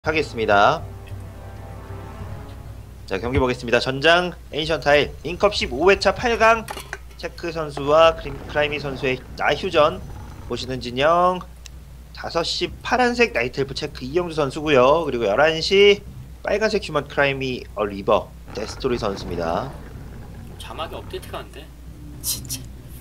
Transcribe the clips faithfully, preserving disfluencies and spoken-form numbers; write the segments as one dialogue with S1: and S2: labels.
S1: 하겠습니다. 자, 경기 보겠습니다. 전장 애니션 타일 인컵 십오 회차 팔 강 체크 선수와 크라이미 선수의 나휴전. 보시는 진영 다섯 시 파란색 나이트엘프 체크 이영주 선수고요. 그리고 열한 시 빨간색 휴먼 크라이미 어 리버 데스토리 선수입니다.
S2: 자막이 업데이트가 안 돼. 진짜.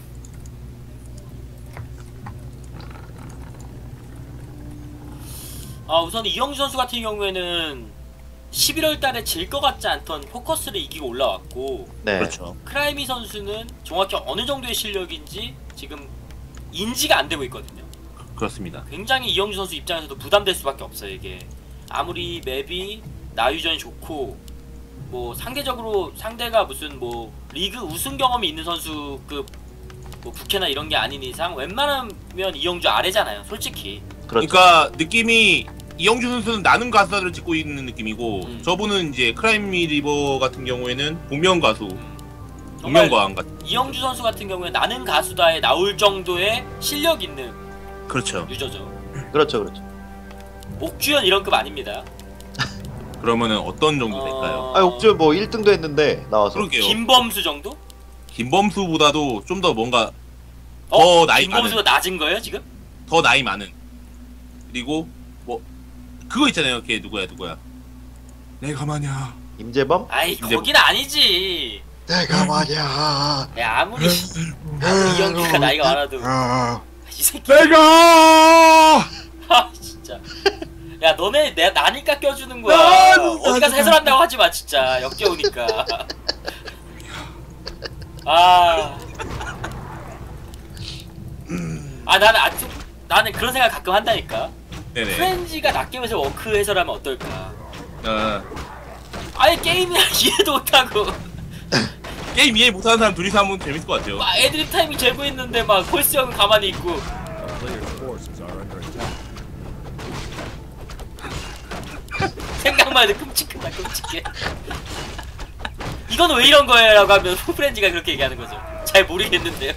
S2: 아, 우선 이영주 선수 같은 경우에는 십일월 달에 질 것 같지 않던 포커스를 이기고 올라왔고,
S1: 네.
S3: 그렇죠.
S2: 크라이미 선수는 정확히 어느 정도의 실력인지 지금 인지가 안 되고 있거든요.
S3: 그렇습니다.
S2: 굉장히 이영주 선수 입장에서도 부담될 수밖에 없어요. 이게 아무리 맵이 나유전이 좋고 뭐 상대적으로 상대가 무슨 뭐 리그 우승 경험이 있는 선수급 뭐 국회나 이런 게 아닌 이상 웬만하면 이영주 아래잖아요, 솔직히.
S1: 그렇죠.
S3: 그러니까 느낌이 이영주 선수는 나는 가수다를 찍고 있는 느낌이고,
S2: 음.
S3: 저분은 이제 크라이미 리버 같은 경우에는 복면 가수,
S2: 음.
S3: 복면가왕 같은.
S2: 이영주 선수 같은 경우에 나는 가수다에 나올 정도의 실력 있는
S3: 그렇죠.
S2: 유저죠.
S1: 그렇죠, 그렇죠.
S2: 옥주현 이런 급 아닙니다.
S3: 그러면은 어떤 정도
S2: 어...
S3: 될까요?
S1: 아, 옥주 뭐 일 등도 했는데 나와서.
S3: 그러게요.
S2: 김범수 정도?
S3: 김범수보다도 좀 더 뭔가 더
S2: 어?
S3: 나이
S2: 김범수가
S3: 많은,
S2: 낮은 거예요 지금?
S3: 더 나이 많은. 그리고 뭐 그거 있잖아요. 걔 누구야 누구야? 내가 마냐.
S1: 임재범?
S2: 아이,
S3: 근데
S2: 거긴 아니지.
S1: 내가 말이야.
S2: 야, 아무리 아무리 이영주가 나이가 많아도 이 새끼.
S3: 내가
S2: 아, 진짜. 야, 너네 내 나니까 껴주는 거야. 어디 가서 해설한다고 하지 마, 진짜. 역겨우니까. 아. 아, 나는 아직 나는 그런 생각 가끔 한다니까.
S3: 네네.
S2: 프렌즈가 낚여면서 워크 해설하면 어떨까?
S3: 어,
S2: 아예 게임이나 이해도 못하고
S3: 게임 이해 못하는 사람 둘이서 하면 재밌을 것 같아요.
S2: 막 애드립 타이밍 재고 있는데 막 콜스 형은 가만히 있고. 생각만 해도 끔찍하다, 끔찍해. 이건 왜 이런 거예요? 라고 하면 프렌즈가 그렇게 얘기하는 거죠. 잘 모르겠는데요.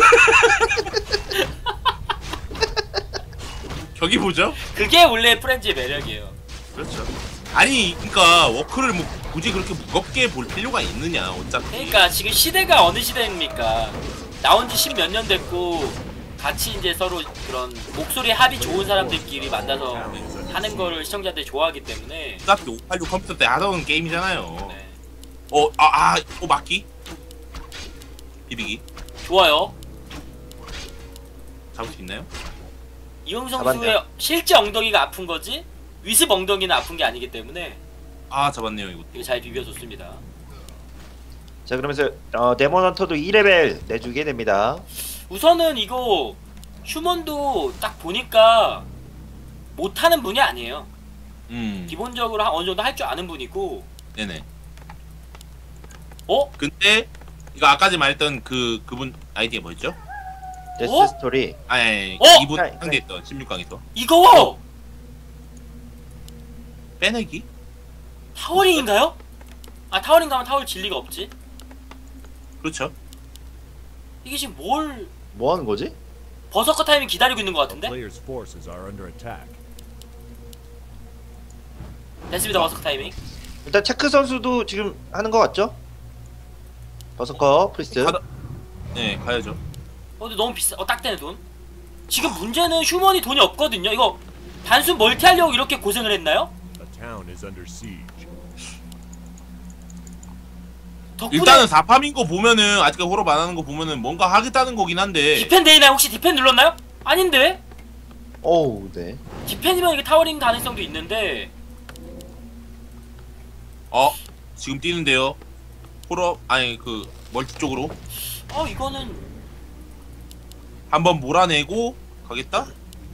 S3: 저기 보죠.
S2: 그게 원래 프렌즈의 매력이에요.
S3: 그렇죠. 아니, 그러니까 워크를 뭐 굳이 그렇게 무겁게 볼 필요가 있느냐, 어차피.
S2: 그러니까 지금 시대가 어느 시대입니까? 나온 지 십 몇 년 됐고 같이 이제 서로 그런 목소리 합이 좋은 사람들끼리 만나서 하는 거를 시청자들이 좋아하기 때문에.
S3: 어차피 오팔육 컴퓨터 때 하던 게임이잖아요.
S2: 네.
S3: 어, 아, 아, 어, 맞기? 비비기?
S2: 좋아요.
S3: 잡을 수 있나요?
S2: 이영수
S1: 잡았네요.
S2: 선수의 실제 엉덩이가 아픈 거지 위습 엉덩이는 아픈 게 아니기 때문에
S3: 아, 잡았네요, 이거.
S2: 이거 잘 비벼줬습니다.
S1: 자, 그러면서 어, 데몬 헌터도 이 레벨 내주게 됩니다.
S2: 우선은 이거 휴먼도 딱 보니까 못하는 분이 아니에요.
S3: 음,
S2: 기본적으로 한 어느 정도 할 줄 아는 분이고.
S3: 네네.
S2: 어?
S3: 근데, 이거 아까 전에 말했던 그, 그분 아이디가 뭐였죠?
S1: 데스
S2: 어?
S1: 스토리.
S3: 아니, 아니,
S2: 어?
S3: 이분
S1: 네,
S3: 상대했던 십육 강에서.
S2: 이거
S3: 빼내기?
S2: 타워링인가요? 아, 타워링 가면 타워를 질 리가 없지.
S3: 그렇죠.
S2: 이게 지금 뭘
S1: 뭐 하는 거지?
S2: 버서커 타이밍 기다리고 있는 것 같은데?
S4: Players' forces are under attack.
S2: 됐습니다, 버서커 타이밍.
S1: 일단 체크 선수도 지금 하는 거 같죠? 버서커 프리스트.
S3: 가다... 네, 가야죠.
S2: 어, 근데 너무 비싸. 어, 딱 되네, 돈. 지금 문제는 휴먼이 돈이 없거든요. 이거 단순 멀티 하려고 이렇게 고생을 했나요?
S4: The town is under siege.
S2: 덕분에
S3: 일단은 사팜인 거 보면은, 아직 호럽 안 하는 거 보면은 뭔가 하겠다는 거긴 한데.
S2: 디펜 되나요? 혹시 디펜 눌렀나요? 아닌데?
S1: 오우, 네.
S2: 디펜이면 이게 타워링 가능성도 있는데.
S3: 어, 지금 뛰는데요. 호럽, 아니, 그, 멀티 쪽으로.
S2: 어, 이거는
S3: 한번 몰아내고 가겠다?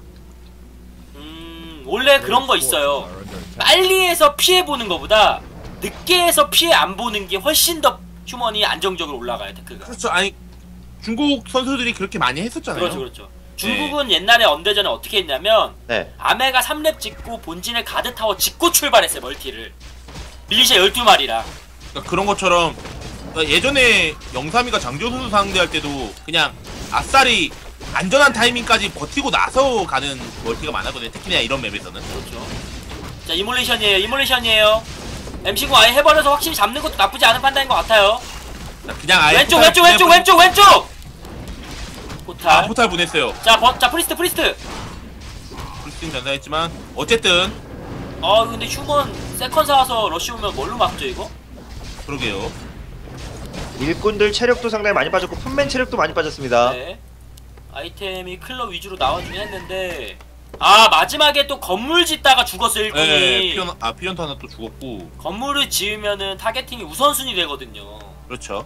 S2: 음... 원래 그런 거 있어요.
S4: Are under attack.
S2: 빨리 해서 피해보는 것보다 늦게 해서 피해 안 보는 게 훨씬 더 휴먼이 안정적으로 올라가요, 테크가.
S3: 그렇죠. 아니, 중국 선수들이 그렇게 많이 했었잖아요.
S2: 그렇죠, 그렇죠. 중국은 옛날에 언대전에 어떻게 했냐면
S1: 네.
S2: 아메가 삼 렙 찍고 본진에 가드 타워 찍고 출발했어요, 멀티를. 밀리샤 열두 마리랑.
S3: 그러니까 그런 것처럼, 그러니까 예전에 영삼이가 장조 선수 상대할 때도 그냥 아싸리 안전한 타이밍까지 버티고 나서 가는 멀티가 많았거든요. 특히나 이런 맵에서는.
S2: 그렇죠. 자 이몰레이션이에요. 이몰레이션이에요. 엠씨구 아예 해버려서 확실히 잡는 것도 나쁘지 않은 판단인 것 같아요.
S3: 그냥 아예
S2: 왼쪽
S3: 포탈
S2: 왼쪽 왼쪽
S3: 보내-
S2: 왼쪽 왼쪽. 포탈.
S3: 아 포탈 보냈어요.
S2: 자, 버, 자 프리스트 프리스트.
S3: 프리스틴 전사했지만 어쨌든
S2: 아 근데 휴먼 세컨 사와서 러쉬 오면 뭘로 막죠 이거?
S3: 그러게요.
S1: 일꾼들 체력도 상당히 많이 빠졌고 풋맨 체력도 많이 빠졌습니다.
S2: 네. 아이템이 클럽 위주로 나와주긴 했는데 아 마지막에 또 건물 짓다가 죽었어 일꾼이.
S3: 네, 피언 아 피언터 하나 또 죽었고.
S2: 건물을 지으면은 타겟팅이 우선순위 되거든요.
S3: 그렇죠.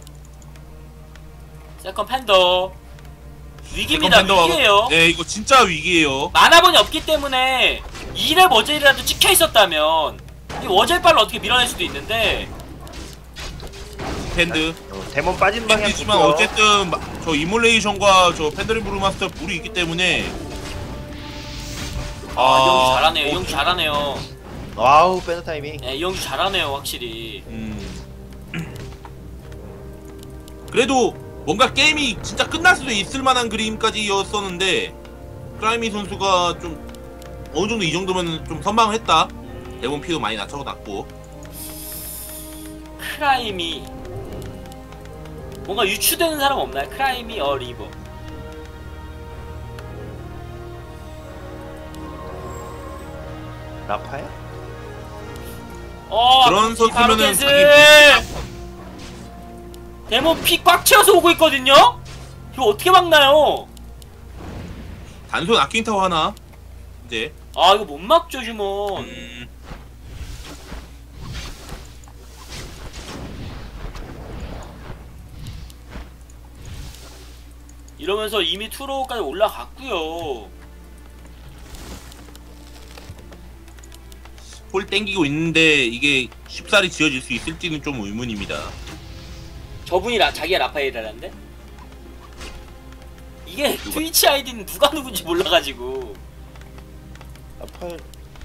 S2: 세컨 팬더 위기입니다.
S3: 세컨 팬더가-
S2: 위기예요.
S3: 네, 이거 진짜 위기예요.
S2: 만화본이 없기 때문에 이 렙 워젤이라도 찍혀 있었다면 이 워젤발로 어떻게 밀어낼 수도 있는데
S3: 팬드.
S1: 어, 데몬 빠진 방향
S3: 팬드지만
S1: 보고요.
S3: 어쨌든 마- 저 이몰레이션과 저 팬더리 브루마스터 불이 있기 때문에.
S2: 아, 이영주
S3: 아,
S2: 잘하네요.
S3: 어,
S2: 이영주 잘하네요.
S1: 와우 빼는 타이밍.
S2: 네, 이영주 잘하네요 확실히.
S3: 음. 그래도 뭔가 게임이 진짜 끝날 수도 있을 만한 그림까지였었는데 크라이미 선수가 좀 어느 정도 이 정도면 좀 선방을 했다. 대본 피도 많이 낮춰놨고.
S2: 크라임이 뭔가 유추되는 사람 없나요? 크라임이 어 리버.
S1: 라파엘?
S2: 어
S3: 그런
S2: 아버지 바로
S3: 선수면은
S2: 캔슬!
S3: 자기
S2: 데몬 피 꽉 채워서 오고 있거든요? 이거 어떻게 막나요?
S3: 단손 아킹타워 하나 이제.
S2: 아 이거 못 막죠 휴먼.
S3: 음,
S2: 이러면서 이미 투로까지 올라갔고요.
S3: 홀 땡기고 있는데 이게 쉽사리 지어질 수 있을지는 좀 의문입니다.
S2: 저분이 라, 자기가 라파엘이라는데? 이게
S3: 누가?
S2: 트위치 아이디는 누가 누군지 몰라가지고.
S1: 라파엘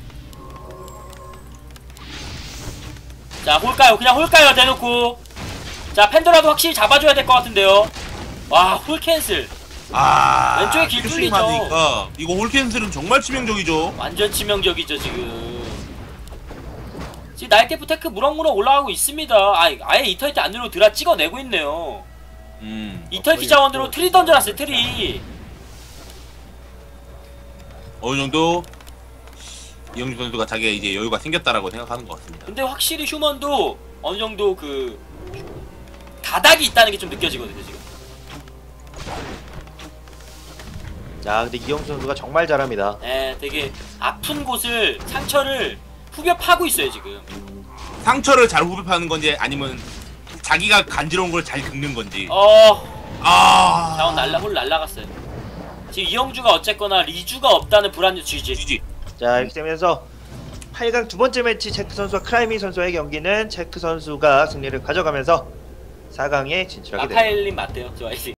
S2: 자 홀까요? 그냥 홀까요? 대놓고. 자 팬더라도 확실히 잡아줘야 될 것 같은데요. 와 홀 캔슬.
S3: 아,
S2: 왼쪽에 길
S3: 큐싱
S2: 뚫리죠.
S3: 맞으니까 이거 홀 캔슬은 정말 치명적이죠.
S2: 완전 치명적이죠 지금. 지금 나이테프 테크 무럭무럭 올라가고 있습니다. 아, 아예 이터니티 안 누르고 드라 찍어내고 있네요.
S3: 음,
S2: 이터니티 자원으로 트리 던져놨어요 트리.
S3: 어느 정도 이영주 선수가 자기가 이제 여유가 생겼다라고 생각하는 것 같습니다.
S2: 근데 확실히 휴먼도 어느 정도 그 가닥이 있다는 게 좀 느껴지거든요 지금.
S1: 자 근데 이영수 선수가 정말 잘합니다.
S2: 네, 되게 아픈 곳을 상처를 후벼 파고 있어요 지금.
S3: 상처를 잘 후벼파는 건지 아니면 자기가 간지러운 걸 잘 긁는 건지.
S2: 어,
S3: 아,
S2: 자원 날라 홀 날라갔어요. 지금 이영주가 어쨌거나 리주가 없다는 불안유 지지.
S3: 지지.
S1: 자 이렇게 되면서 팔 강 두 번째 매치 체크 선수와 크라이미 선수의 경기는 체크 선수가 승리를 가져가면서 사 강에 진출하게 됩니다.
S2: 라파엘님 맞대요 저 아이디.